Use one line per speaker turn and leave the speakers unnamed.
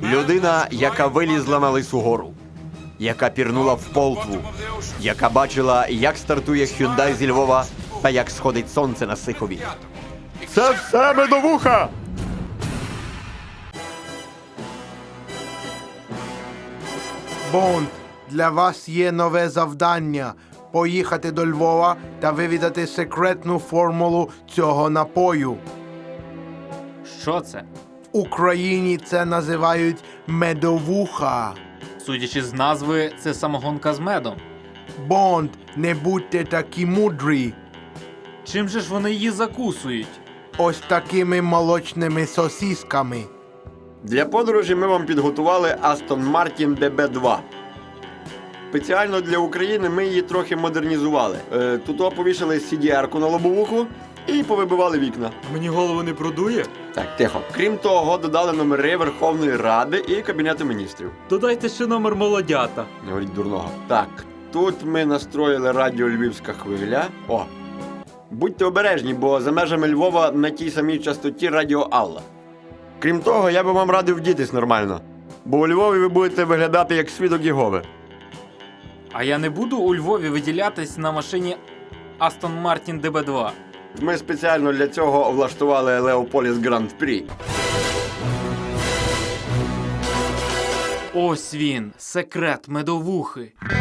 Людина, яка вилізла на Лису гору, яка пірнула в Полтву, яка бачила, як стартує Hyundai зі Львова та як сходить сонце на Сихові. Це все медовуха!
Бонд, для вас є нове завдання – поїхати до Львова та вивідати секретну формулу цього напою.
Що це?
В Україні це називають медовуха.
Судячи з назви, це самогонка з медом.
Бонд, не будьте такі мудрі.
Чим же ж вони її закусують?
Ось такими молочними сосісками.
Для подорожі ми вам підготували Aston Martin DB2. Спеціально для України ми її трохи модернізували. Тут повішали CDR-ку на лобовуху і повибивали вікна.
Мені голову не продує?
Так, тихо. Крім того, додали номери Верховної Ради і Кабінету міністрів.
Додайте ще номер молодята.
Не говоріть дурного. Так, тут ми настроїли радіо Львівська хвиля. О! Будьте обережні, бо за межами Львова на тій самій частоті радіо Алла. Крім того, я би вам радив вдітись нормально. Бо у Львові ви будете виглядати як свідок Єгови.
А я не буду у Львові виділятись на машині Aston Martin DB2.
Ми спеціально для цього влаштували Леополіс Гранд-Прі.
Ось він, секрет медовухи.